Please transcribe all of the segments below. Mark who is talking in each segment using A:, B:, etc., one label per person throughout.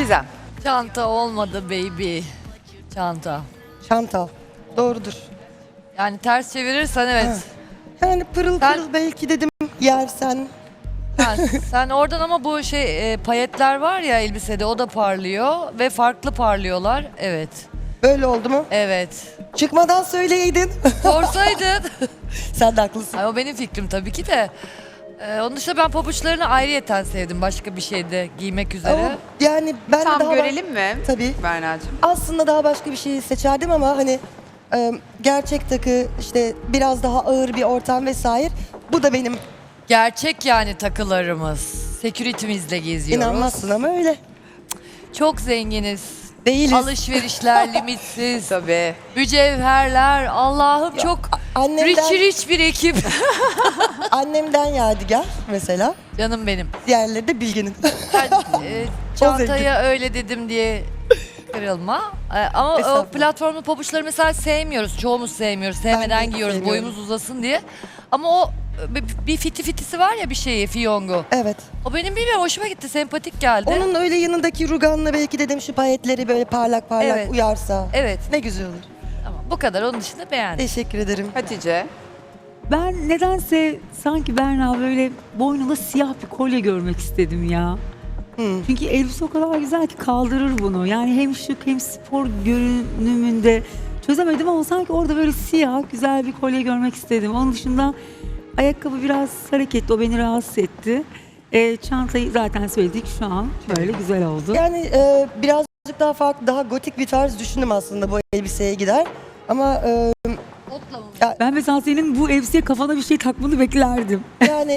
A: Gizem.
B: Çanta olmadı baby. Çanta.
C: Çanta. Doğrudur.
B: Yani ters çevirirsen evet.
C: Yani pırıl
B: Sen-
C: pırıl belki dedim yersen.
B: Sen oradan ama bu payetler var ya elbisede o da parlıyor ve farklı parlıyorlar. Evet.
C: Böyle oldu mu?
B: Evet.
C: Çıkmadan söyleydin.
B: Sorsaydın.
C: Sen de haklısın.
B: Ay, o benim fikrim tabii ki de. Onun dışında ben pabuçlarını ayrıyeten sevdim. Başka bir şeyde giymek üzere.
C: Ama yani ben de
A: Tam
C: daha
A: görelim mi?
C: Tabii.
A: Berna'cığım.
C: Aslında daha başka bir şey seçerdim ama hani gerçek takı işte biraz daha ağır bir ortam vesaire. Bu da benim
B: Gerçek yani takılarımız. Security'mizle geziyoruz.
C: inanmazsın ama öyle.
B: Çok zenginiz.
C: Değiliz.
B: Alışverişler limitsiz.
A: Tabii.
B: Mücevherler. Allah'ım çok
C: annemden-
B: rich bir ekip.
C: Annemden yadigar mesela.
B: Canım benim.
C: Diğerleri de Bilge'nin.
B: Ben, çantaya öyle dedim diye kırılma. Ama o
C: Estağfurullah.
B: platformlu pabuçları mesela sevmiyoruz. Çoğumuz sevmiyoruz. Sevmeden
C: de
B: giyiyoruz.
C: sevmiyorum.
B: Boyumuz uzasın diye. Ama o bir fitisi var ya bir şeyi, fiyongu.
C: Evet.
B: O benim bilmiyorum hoşuma gitti. Sempatik geldi.
C: Onun öyle yanındaki ruganla belki dedim şu payetleri böyle parlak parlak
B: Evet.
C: uyarsa.
B: Evet.
C: Ne güzel olur.
B: Tamam, bu kadar. Onun dışında beğendim.
C: Teşekkür ederim.
A: Hatice.
D: Ben nedense sanki Berna böyle boynunda siyah bir kolye görmek istedim ya. Çünkü elbise o kadar güzel ki kaldırır bunu. Yani hem şık hem spor görünümünde çözemedim ama sanki orada böyle siyah güzel bir kolye görmek istedim. Onun dışında ayakkabı biraz hareketli, o beni rahatsız etti. Çantayı zaten söyledik, şu an böyle güzel oldu.
C: Yani birazcık daha farklı, daha gotik bir tarz düşündüm aslında bu elbiseye gider. Ama
B: Otla mı?
D: Ben mesela senin bu elbiseye kafana bir şey takmanı beklerdim.
C: yani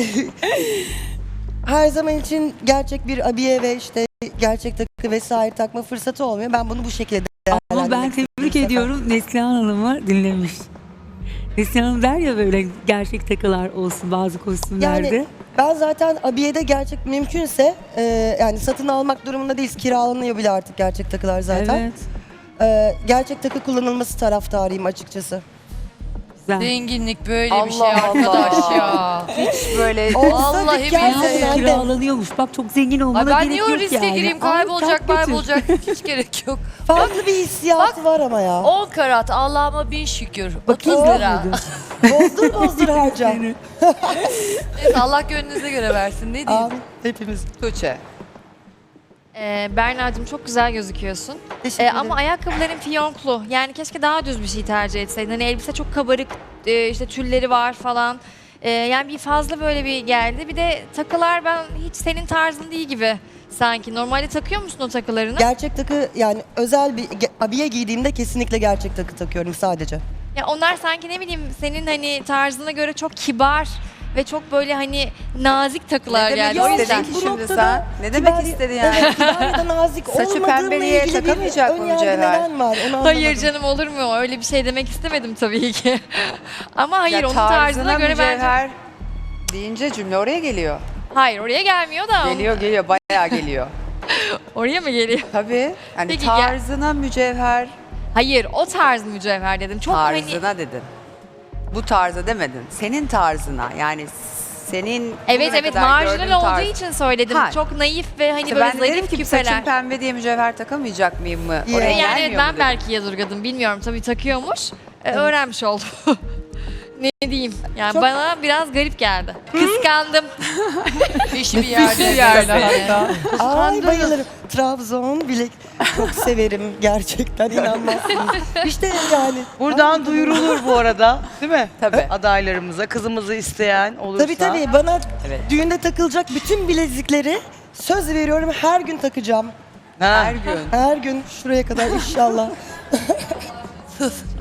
C: her zaman için gerçek bir abiye ve işte gerçek takı vesaire takma fırsatı olmuyor. Ben bunu bu şekilde
D: Ama
C: değerlendirmek
D: ben
C: istedim
D: tebrik
C: bu sefer.
D: ediyorum, Neslihan Hanım'ı dinlemiş. Neslihan Hanım der ya böyle gerçek takılar olsun bazı kostümlerde.
C: Yani ben zaten abiyede gerçek mümkünse yani satın almak durumunda değiliz. Kiralanıyor bile artık gerçek takılar zaten.
D: Evet,
C: Gerçek takı kullanılması taraftarıyım açıkçası.
D: güzel.
B: Zenginlik böyle bir şey
A: Allah
B: arkadaş
A: Allah.
B: ya.
A: Hiç böyle
C: Olsa
B: Vallahi
C: dükkan
B: billahi.
C: sende.
D: Kiralanıyormuş. Bak çok zengin olmana
B: Ay ben
D: gerek
B: niye o
D: yok
B: riske
D: yani.
B: gireyim?
D: Al,
B: Kaybolacak,
D: tak götür.
B: kaybolacak. Hiç gerek yok.
C: Farklı bir hissiyatı var ama ya.
B: 10 karat Allah'ıma bin şükür. 30
D: Bakayım
B: lira.
D: mıydı?
C: Bozdur bozdur harca.
B: Neyse, Allah gönlünüze göre versin. Ne diyeyim?
C: Amin. Hepimiz.
A: Tuğçe.
E: Berna'cığım çok güzel gözüküyorsun.
C: Teşekkür ederim.
E: Ama ayakkabıların fiyonklu. Yani keşke daha düz bir şey tercih etseydin. Hani elbise çok kabarık, işte tülleri var falan. Yani bir fazla böyle bir geldi. Bir de takılar ben hiç senin tarzın değil gibi sanki. Normalde takıyor musun o takılarını?
C: Gerçek takı yani özel bir abiye giydiğimde kesinlikle gerçek takı takıyorum sadece.
E: Ya onlar sanki ne bileyim senin hani tarzına göre çok kibar ve çok böyle hani nazik takılar
A: Ne demek
E: geldi. O
A: istedin
E: yüzden
A: ki
C: bu
A: şimdi
C: noktada
A: sen? Ne demek
C: kibar-
A: istedin yani?
C: Evet, kibar ya da nazik
A: Saçı
C: olmadığımla
A: pembeliğe
C: ilgili bir
A: takamayacak mı
C: önyargı
A: mücevher?
C: neden var? Onu
E: Hayır
C: anlamadım.
E: canım olur mu? Öyle bir şey demek istemedim tabii ki. Ama hayır
A: Ya
E: onun tarzına göre bence...
A: mücevher deyince cümle oraya geliyor.
E: Hayır oraya gelmiyor da.
A: Geliyor bayağı geliyor.
E: Oraya mı geliyor?
A: Tabii. Yani
E: Peki,
A: tarzına mücevher,
E: Hayır o tarz mücevher dedim. Çok hani
A: tarzına dedin. Bu tarza demedin. Senin tarzına yani senin
E: evet
A: bugüne
E: evet
A: kadar gördüğün
E: marjinal olduğu
A: tarz.
E: için söyledim.
A: Ha.
E: Çok naif ve hani
A: İşte
E: böyle
A: ben de dedim
E: zarif
A: ki saçım
E: küpeler.
A: pembe diye mücevher takamayacak mıyım mı?
C: Ya.
A: Oraya
E: Yani evet
A: gelmiyor mu
E: ben
A: dedim.
E: belki yadırgadım bilmiyorum tabii takıyormuş. Öğrenmiş oldum. Ne diyeyim yani
C: Çok-
E: bana biraz garip geldi. Kıskandım.
B: Fişi bir yerde.
A: bir yerde hatta.
C: Ay bayılırım. Trabzon bilek çok severim gerçekten inanmazsınız. İşte yani.
F: Buradan duyurulur bu arada, değil mi?
A: Tabii.
F: Adaylarımıza, kızımızı isteyen olursa.
C: Tabii bana
A: Evet.
C: düğünde takılacak bütün bilezikleri söz veriyorum her gün takacağım.
F: Ha.
A: Her gün.
C: Her gün şuraya kadar inşallah.